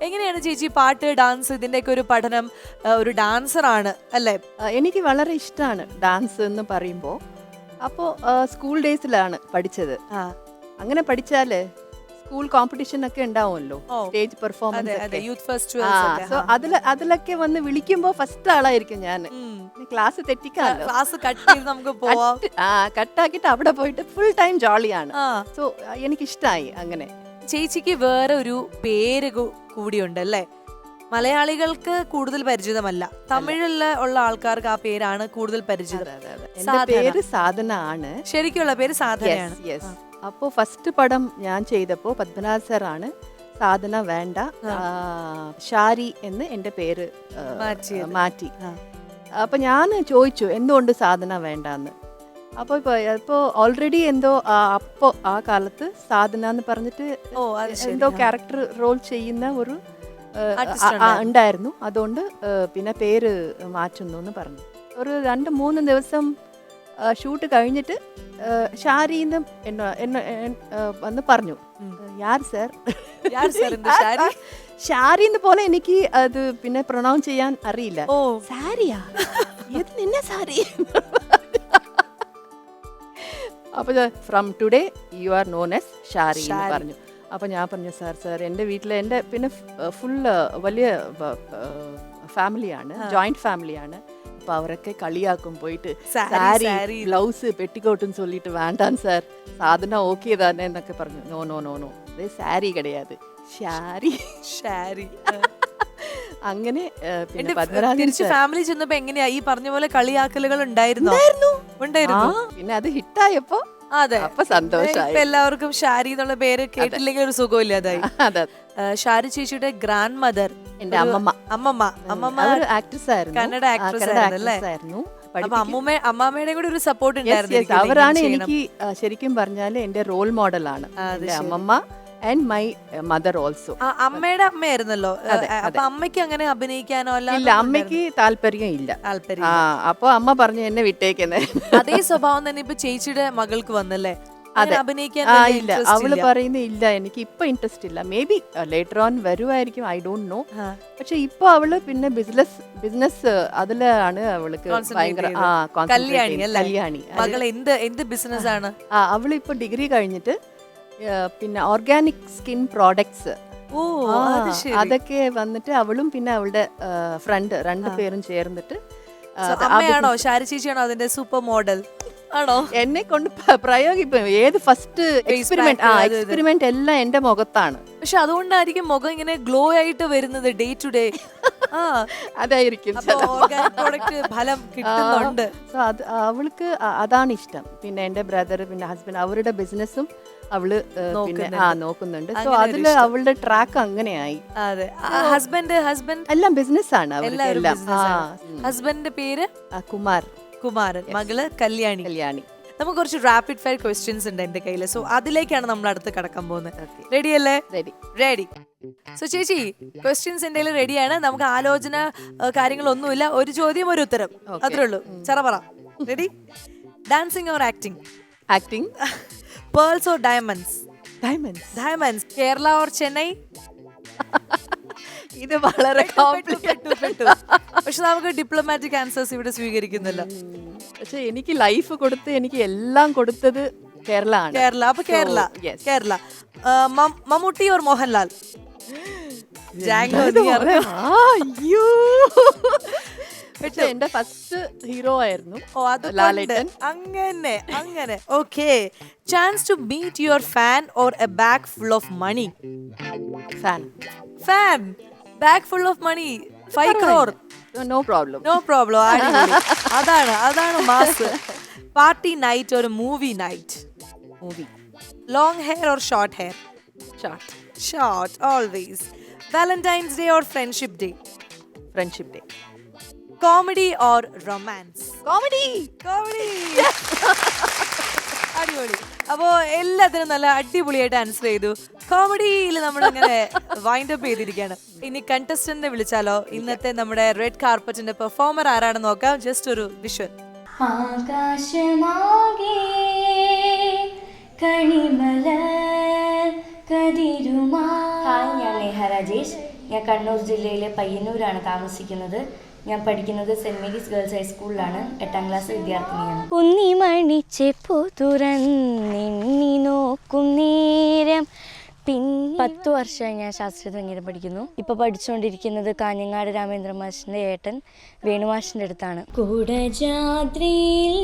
എങ്ങനെയാണ് ചേച്ചി പാട്ട്, ഡാൻസ് ഇതിന്റെയൊക്കെ ഒരു പഠനം? ഒരു ഡാൻസർ ആണ് അല്ലേ? എനിക്ക് വളരെ ഇഷ്ടമാണ് ഡാൻസ് എന്ന് പറയുമ്പോൾ. അപ്പോൾ സ്കൂൾ ഡേയ്സിലാണ് പഠിച്ചത്. അങ്ങനെ പഠിച്ചാല് സ്കൂൾ കോമ്പറ്റീഷൻ ഒക്കെ ഉണ്ടാവുമല്ലോ, stage performance. Youth festivals. So അതിലൊക്കെ വന്ന് വിളിക്കുമ്പോൾ ഫസ്റ്റ് ആളായിരിക്കും ഞാൻ. ക്ലാസ് തെറ്റിക്കാമല്ലോ, ക്ലാസ് കട്ട് ചെയ്ത് നമുക്ക് പോവാം. കട്ടാക്കിയിട്ട് അവിടെ പോയിട്ട് ഫുൾ ടൈം ജോളിയാണ്. സോ എനിക്കിഷ്ടമായി അങ്ങനെ. ചേച്ചിക്ക് വേറെ ഒരു പേര് കൂടിയുണ്ട് അല്ലേ? മലയാളികൾക്ക് കൂടുതൽ പരിചിതമല്ല, തമിഴിൽ ഉള്ള ആൾക്കാർക്ക് ആ പേരാണ് കൂടുതൽ പരിചിതം. എന്റെ പേര് സാധന ആണ്. ശരിക്കുള്ള പേര് സാധനയാണ്. അപ്പോൾ ഫസ്റ്റ് പടം ഞാൻ ചെയ്തപ്പോൾ പത്മനാഭ സാറാണ് സാധന വേണ്ട ഷാരി എന്ന് എൻ്റെ പേര് മാറ്റി. അപ്പോൾ ഞാൻ ചോദിച്ചു എന്തുകൊണ്ട് സാധന വേണ്ടെന്ന്. അപ്പോൾ ഇപ്പോൾ ഓൾറെഡി എന്തോ അപ്പോൾ ആ കാലത്ത് സാധന എന്ന് പറഞ്ഞിട്ട് എന്തോ ക്യാരക്ടർ റോൾ ചെയ്യുന്ന ഒരു ഉണ്ടായിരുന്നു. അതുകൊണ്ട് പിന്നെ പേര് മാറ്റുന്നു എന്ന് പറഞ്ഞു. ഒരു 2-3 ദിവസം ഷൂട്ട് കഴിഞ്ഞിട്ട് ഷാരിന്ന് വന്ന് പറഞ്ഞു, യാർ സർ ഷാരിന്ന് പോലെ എനിക്ക് അത് പിന്നെ പ്രൊനൗൺസ് ചെയ്യാൻ അറിയില്ല. സാരിയാ ഇത് നിന്നെ സാരി. അപ്പോൾ from today you are known as Shari എന്ന് പറഞ്ഞു. അപ്പോൾ ഞാൻ പറഞ്ഞു സാർ എൻ്റെ വീട്ടിൽ എൻ്റെ പിന്നെ ഫുള്ള് വലിയ ഫാമിലിയാണ്, ജോയിന്റ് ഫാമിലിയാണ്. അപ്പോൾ അവരൊക്കെ കളിയാക്കും പോയിട്ട് സാരി ബ്ലൗസ് പെട്ടിക്കോട്ടെന്ന് ചൊല്ലിട്ട് വേണ്ടാൻ സാർ സാധന ഓക്കെ തന്നെ എന്നൊക്കെ പറഞ്ഞു. നോ നോ നോ നോ ഇത് സാരി കിടയാത് ഷാരി. അങ്ങനെ പിന്നെ ഫാമിലി ചെന്നപ്പോ എങ്ങനെയാ ഈ പറഞ്ഞ പോലെ കളിയാക്കലുകൾ ഉണ്ടായിരുന്നു? പിന്നെ അത് ഹിറ്റായപ്പോ അതെ അപ്പൊ സന്തോഷമായി. എല്ലാവർക്കും ഷാരി എന്നുള്ള പേര് കേട്ടില്ലെങ്കിൽ ഒരു സുഖമില്ലാതായി. ഷാരി ചേച്ചിയുടെ ഗ്രാൻഡ് മദർ എന്റെ അമ്മമ്മ ആക്ട്രസ് ആയിരുന്നു, കന്നഡ ആക്ട്രസ് ആയിരുന്നു. അപ്പൊ അമ്മാമ്മയുടെ കൂടെ ഒരു സപ്പോർട്ട് ഉണ്ടായിരുന്നു. അവരാണ് എനിക്ക് ശരിക്കും പറഞ്ഞാല് എന്റെ റോൾ മോഡലാണ് അമ്മമ്മ ആൻഡ് മൈ മദർ ഓൾസോ. അമ്മയുടെ അമ്മയായിരുന്നല്ലോ. അപ്പൊ അമ്മയ്ക്ക് അങ്ങനെ അഭിനയിക്കാനോ ഇല്ല, അമ്മയ്ക്ക് താല്പര്യം ഇല്ല. അപ്പൊ അമ്മ പറഞ്ഞു എന്നെ വിട്ടേക്കുന്നത്. അതേ സ്വഭാവം തന്നെ ഇപ്പൊ ചേച്ചിയുടെ മകൾക്ക് വന്നല്ലേ? ഇല്ല, അവള് പറയുന്ന ഇല്ല എനിക്ക് ഇപ്പൊ ഇൻട്രസ്റ്റ് ഇല്ല. മേ ബി ലേറ്റർ ഓൺ വരുമായിരിക്കും, ഐ ഡോണ്ട് നോ. പക്ഷെ ഇപ്പൊ അവള് പിന്നെ ബിസിനസ് അതിലാണ് അവൾക്ക് ഭയങ്കര കല്യാണി. എന്ത് ബിസിനസ് ആണ്? അവള് ഇപ്പൊ ഡിഗ്രി കഴിഞ്ഞിട്ട് പിന്നെ ഓർഗാനിക് സ്കിൻ പ്രോഡക്ട്സ് അതൊക്കെ വന്നിട്ട് അവളും പിന്നെ അവളുടെ ഫ്രണ്ട് 2 പേരും ചേർന്നിട്ട്. അമ്മയാണോ ഷാരി ചേച്ചിയാണോ അതിന്റെ സൂപ്പർ മോഡൽ? ആണോ? എന്നെ കൊണ്ട് പ്രയോഗിക്കും ഏത് ഫസ്റ്റ് എക്സ്പെരിമെന്റ് എല്ലാം എന്റെ മുഖത്താണ്. പക്ഷെ അതുകൊണ്ടായിരിക്കും മുഖം ഇങ്ങനെ ഗ്ലോ ആയിട്ട് വരുന്നത് ഡേ ടു ഡേ. അതായിരിക്കും ഫലം കിട്ടുന്നുണ്ട്. സോ അത് അവൾക്ക് അതാണ് ഇഷ്ടം. പിന്നെ എന്റെ ബ്രദർ പിന്നെ ഹസ്ബൻഡ് അവരുടെ ബിസിനസ്സും അവള് പിന്നെ നോക്കുന്നുണ്ട്. സോ അതില് അവളുടെ ട്രാക്ക് അങ്ങനെയായി. ഹസ്ബൻഡ് എല്ലാം ബിസിനസ് ആണ് അവർക്ക്. ഹസ്ബൻഡിന്റെ പേര് കുമാരൻ, മകള് കല്യാണി. നമുക്ക് കുറച്ച് റാപ്പിഡ് ഫയർ ക്വസ്റ്റ്യൻസ് ഉണ്ട് എന്റെ കയ്യില്. സോ അതിലേക്കാണ് നമ്മൾ അടുത്ത് കടക്കാൻ പോകുന്നത്. റെഡി അല്ലേ? റെഡി. സോ ചേച്ചി ക്വസ്റ്റ്യൻസ് എന്റെ കയ്യിൽ റെഡിയാണ്. നമുക്ക് ആലോചന കാര്യങ്ങളൊന്നുമില്ല. ഒരു ചോദ്യം ഒരു ഉത്തരം, അത്രേ ഉള്ളൂ. ചറപറ. Ready? Dancing or acting? Acting. Pearls or diamonds? Diamonds. Kerala or Chennai? ഇത് വളരെ പെട്ടു. പക്ഷെ നമുക്ക് ഡിപ്ലോമാറ്റിക് ആൻസേഴ്സ് ഇവിടെ സ്വീകരിക്കുന്നില്ല. പക്ഷെ എനിക്ക് ലൈഫ് കൊടുത്ത് എനിക്ക് എല്ലാം കൊടുത്തത് കേരള ആണ്. അപ്പൊ കേരള. മമ്മൂട്ടി ഓർ മോഹൻലാൽ? അയ്യോ, പക്ഷെ എന്റെ ഫസ്റ്റ് ഹീറോ ആയിരുന്നു ലാലേട്ടൻ. അങ്ങനെ okay. Chance to meet your fan or a bag full of money? Fan. Bag full of money 5 crore. No problem. അതാണ് mass. Party night or movie night? Movie. Long hair or short hair? Short always. Valentine's day or friendship day? Friendship day. Comedy or romance? Comedy. അടിപൊളി. അപ്പോ എല്ലാത്തിനും നല്ല അടിപൊളിയായിട്ട് answer ചെയ്തു. കോമഡിയിൽ നമ്മൾ അങ്ങനെ wind up ചെയ്തിരിക്കുകയാണ്. ഇനി കണ്ടസ്റ്റന്റിനെ വിളിച്ചാലോ? ഇന്നത്തെ നമ്മുടെ റെഡ് കാർപ്പറ്റിന്റെ പെർഫോമർ ആരാണെന്ന് നോക്കാം. ജസ്റ്റ് ഒരു വിഷ്വൽ. ആകാശമാകെ കണിമല കതിരുമാ. ഹായ്, ഞാൻ നേഹ രാജേഷ്. ഞാൻ കണ്ണൂർ ജില്ലയിലെ പയ്യന്നൂരാണ് താമസിക്കുന്നത്. ഞാൻ പഠിക്കുന്നത് സെൻറ് മേരീസ് ഗേൾസ് ഹൈസ്കൂളിലാണ്. 8ാം ക്ലാസ് വിദ്യാർത്ഥിനിയാണ്. കുന്നിമണിച്ചെപ്പോ തുറന്നിണ്ണി നോക്കും നേരം. 10 വർഷമായി ഞാൻ ശാസ്ത്രീയ സംഗീതം പഠിക്കുന്നു. ഇപ്പോൾ പഠിച്ചുകൊണ്ടിരിക്കുന്നത് കാഞ്ഞങ്ങാട് രാമേന്ദ്ര മാഷിൻ്റെ ഏട്ടൻ വേണുമാഷിൻ്റെ അടുത്താണ്. കുടജാദ്രിയിൽ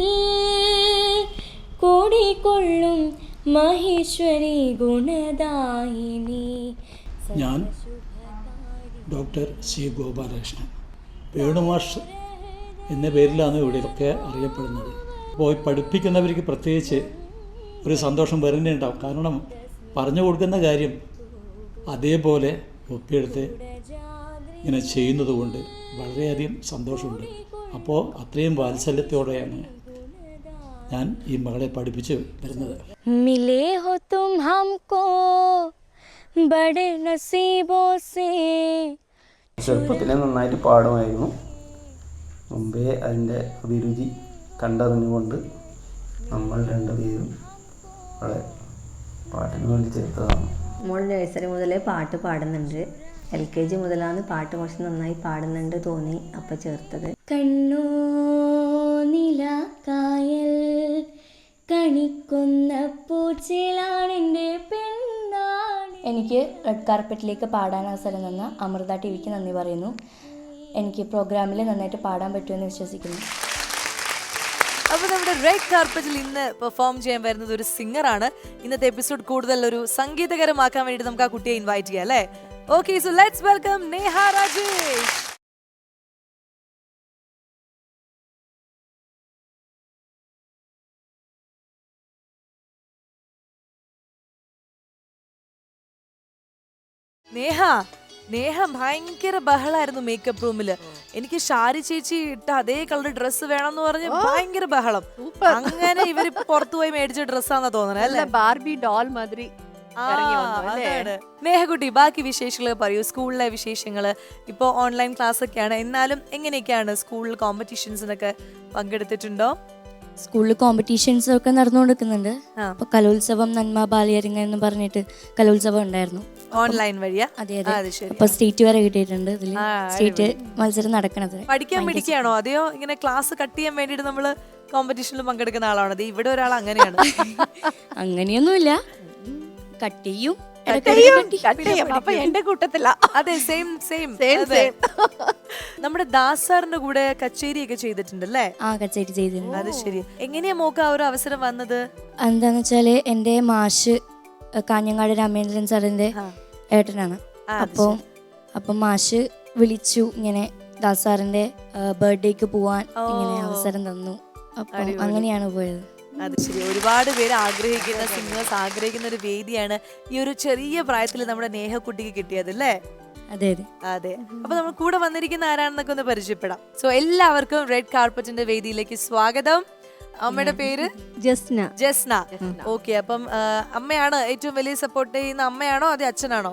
കൂടിക്കൊള്ളും മഹേശ്വരി ഗുണദായിനി. ഞാൻ ഡോക്ടർ സി ഗോപാലകൃഷ്ണൻ, വേണുമാഷ് എന്ന പേരിലാണ് ഇവിടെയൊക്കെ അറിയപ്പെടുന്നത്. അപ്പോൾ പഠിപ്പിക്കുന്നവർക്ക് പ്രത്യേകിച്ച് ഒരു സന്തോഷം വരുന്നുണ്ടാവും. കാരണം പറഞ്ഞു കൊടുക്കുന്ന കാര്യം അതേപോലെ ഒപ്പിയെടുത്ത് ഇങ്ങനെ ചെയ്യുന്നത് കൊണ്ട് വളരെയധികം സന്തോഷമുണ്ട്. അപ്പോൾ അത്രയും വാത്സല്യത്തോടെയാണ് ഞാൻ ഈ മകളെ പഠിപ്പിച്ച് വരുന്നത്. മിലേ ഹോ തും ഹംകോ ബഡേ നസീബോ സേ. ചെറുപ്പത്തിലെ നന്നായിട്ട് പാടുമായിരുന്നു. മുമ്പേ അതിൻ്റെ അഭിരുചി കണ്ടറിഞ്ഞുകൊണ്ട് നമ്മൾ രണ്ടുപേരും അവളെ പാട്ടിന് വേണ്ടി ചേർത്തതാണ്. മോൾ നഴ്സറി മുതലേ പാട്ട് പാടുന്നുണ്ട്. LKG മുതലാണ് പാട്ട് കുറച്ച് നന്നായി പാടുന്നുണ്ട് തോന്നി അപ്പം ചേർത്തത്. കണ്ണോ നിലാക്കായൽ കണിക്കുന്ന പൂച്ചയിലാണെൻ്റെ പെണ്ണാണ്. എനിക്ക് റെഡ് കാർപ്പറ്റിലേക്ക് പാടാൻ അവസരം തന്ന അമൃത TVക്ക് നന്ദി പറയുന്നു. എനിക്ക് പ്രോഗ്രാമിൽ നന്നായിട്ട് പാടാൻ പറ്റുമെന്ന് വിശ്വസിക്കുന്നു. അപ്പൊ നമ്മുടെ റെഡ് കാർപ്പറ്റിൽ ഇന്ന് പെർഫോം ചെയ്യാൻ വരുന്നത് ഒരു സിംഗറാണ്. ഇന്നത്തെ എപ്പിസോഡ് കൂടുതൽ ഒരു സംഗീതകരമാക്കാൻ വേണ്ടിയിട്ട് നമുക്ക് ആ കുട്ടിയെ ഇൻവൈറ്റ് ചെയ്യാം അല്ലേ? Okay, so let's welcome Neha Rajesh. Neha ഭയങ്കര ബഹളായിരുന്നു മേക്കപ്പ് റൂമില്. എനിക്ക് ഷാരി ചേച്ചി ഇട്ട അതേ കളർ ഡ്രസ്സ് വേണമെന്ന് പറഞ്ഞ് ഭയങ്കര ബഹളം. അങ്ങനെ ഇവര് പുറത്തുപോയി മേടിച്ച ഡ്രസ്സാന്നാ തോന്നണേ അല്ലേ? ബാർബി ഡോൾ മാതിരി. നേഹകുട്ടി, ബാക്കി വിശേഷങ്ങൾ പറയൂ. സ്കൂളിലെ വിശേഷങ്ങള്. ഇപ്പൊ ഓൺലൈൻ ക്ലാസ് ഒക്കെയാണ്, എന്നാലും എങ്ങനെയൊക്കെയാണ് സ്കൂളിൽ കോമ്പറ്റീഷൻസിനൊക്കെ പങ്കെടുത്തിട്ടുണ്ടോ? സ്കൂളിൽ കോമ്പറ്റീഷൻസ് ഒക്കെ നടന്നുകൊണ്ടിരിക്കുന്നുണ്ട്. അപ്പൊ കലോത്സവം നന്മ ബാലിയരങ്ങ എന്ന് പറഞ്ഞിട്ട് കലോത്സവം ഉണ്ടായിരുന്നു. ഓൺലൈൻ വഴിയാ? അതെ. അപ്പൊ സ്റ്റേറ്റ് വരെ കിട്ടിയിട്ടുണ്ട്. ഇതിൽ സ്റ്റേറ്റ് മത്സരം നടക്കണത്. പഠിക്കാൻ പഠിക്കുകയാണോ അതെയോ ഇങ്ങനെ ക്ലാസ് കട്ട് ചെയ്യാൻ വേണ്ടിട്ട് നമ്മള് കോമ്പറ്റീഷനിൽ പങ്കെടുക്കുന്ന ആളാണോ? ഇവിടെ ഒരാൾ അങ്ങനെയാണ്. അങ്ങനെയൊന്നുമില്ല, കട്ട് ചെയ്യും. അപ്പൊ എന്റെ കൂട്ടത്തില. അതെ, സെയിം. നമ്മുടെ ദാസ് സാറിന്റെ കൂടെ കച്ചേരി ഒക്കെ ചെയ്തിട്ടുണ്ടല്ലേ? ആ, കച്ചേരി ചെയ്തിട്ടുണ്ട്. അത് ശരി. എങ്ങനെയാ മോക്ക് ആ ഒരു അവസരം വന്നത്? എന്താന്ന് വെച്ചാല് എന്റെ മാഷ് കാഞ്ഞങ്ങാട് രാമേന്ദ്രൻ സാറിന്റെ ഏട്ടനാണ്. അപ്പം മാഷ് വിളിച്ചു, ഇങ്ങനെ ദാസ് സാറിന്റെ ബർത്ത്ഡേക്ക് പോവാൻ ഇങ്ങനെ അവസരം തന്നു. അപ്പൊ അങ്ങനെയാണ് പോയത്. അത് ശരി. ഒരുപാട് പേര് ആഗ്രഹിക്കുന്ന സിംഗേഴ്സ് ആഗ്രഹിക്കുന്ന ഒരു വേദിയാണ് ഈ ഒരു ചെറിയ പ്രായത്തിൽ നമ്മുടെ നേഹക്കുട്ടിക്ക് കിട്ടിയത് അല്ലേ? അതെ. അപ്പൊ നമ്മൾ കൂടെ വന്നിരിക്കുന്ന ആരാണെന്നൊക്കെ ഒന്ന് പരിചയപ്പെടാം. സോ എല്ലാവർക്കും റെഡ് കാർപ്പറ്റിന്റെ വേദിയിലേക്ക് സ്വാഗതം. അമ്മയുടെ പേര് ജസ്ന. ഓക്കെ, അപ്പം അമ്മയാണ് ഏറ്റവും വലിയ സപ്പോർട്ട് ചെയ്യുന്ന അമ്മയാണോ അതെ അച്ഛനാണോ?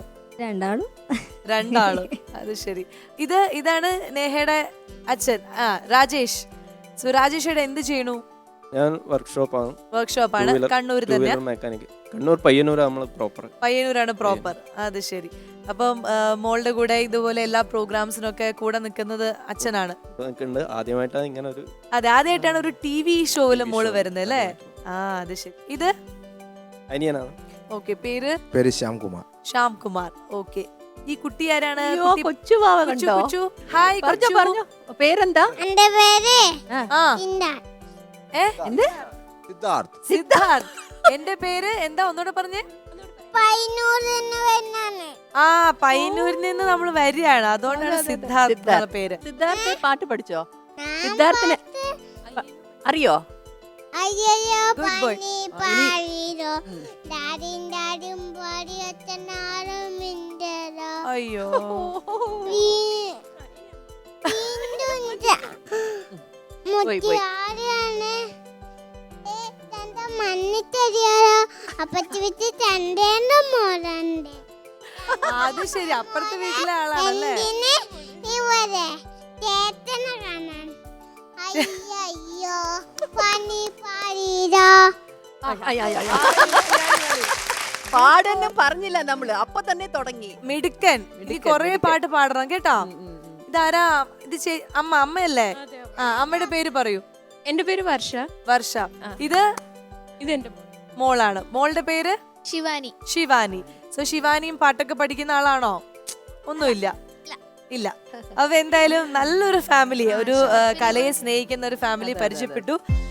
രണ്ടാളും. അത് ശരി. ഇതാണ് നേഹയുടെ അച്ഛൻ രാജേഷ്. സോ രാജേഷയുടെ എന്ത് ചെയ്യണു? ഞാൻ വർക്ക്ഷോപ്പാണ്. കണ്ണൂർ തന്നെ? മെക്കാനിക്. കണ്ണൂർ പയ്യന്നൂരാണ് പ്രോപ്പർ. അത് ശരി. അപ്പം മോളുടെ കൂടെ ഇതുപോലെ എല്ലാ പ്രോഗ്രാംസിനൊക്കെ കൂടെ നിൽക്കുന്നത് അച്ഛനാണ്. ആദ്യമായിട്ടാണ് ഇങ്ങനെ ഒരു ആദ്യമായിട്ടാണ് ഒരു TV ഷോയില് മോള് വരുന്നത് അല്ലേ? അത് ശരി. ഇത് അനിയനാണ്. ഓക്കെ, പേര് ശ്യാംകുമാർ. ഓക്കെ, ഈ കുട്ടി ആരാണ്? കൊച്ചു. ഹായ്, പേരെന്താ? എന്റെ പേര് സിദ്ധാർത്ഥ്. എന്റെ പേര് എന്താ? ഒന്നുകൂടെ പറഞ്ഞേ. പയ്യന്നൂരിൽ നിന്ന് നമ്മൾ വരികയാണ്, അതുകൊണ്ടാണ് സിദ്ധാർത്ഥ് എന്നുള്ള പേര്. സിദ്ധാർത്ഥ് പാട്ട് പഠിച്ചോ? സിദ്ധാർത്ഥിന് അറിയോ? Good boy. അയ്യോ, അത് ശരി. അപ്പുറത്തെ വീട്ടിലെ ആളാണല്ലേ? പാടെന്ന് പറഞ്ഞില്ല നമ്മള്, അപ്പൊ തന്നെ തുടങ്ങി. മിടുക്കൻ. ഈ കൊറേ പാട്ട് പാടണം കേട്ടോ. ഇതാരാ ഇത്? അമ്മയല്ലേ? ആ, അമ്മയുടെ പേര് പറയൂ. എന്റെ പേര് വർഷ. വർഷ. ഇത് ഇതെന്റെ മോളാണ്. മോളുടെ പേര് ശിവാനി. ശിവാനി. സോ ശിവാനിയും പാട്ടൊക്കെ പഠിക്കുന്ന ആളാണോ? ഒന്നുമില്ല, ഇല്ല. അപ്പൊ എന്തായാലും നല്ലൊരു ഫാമിലി, ഒരു കലയെ സ്നേഹിക്കുന്ന ഒരു ഫാമിലി പരിചയപ്പെട്ടു.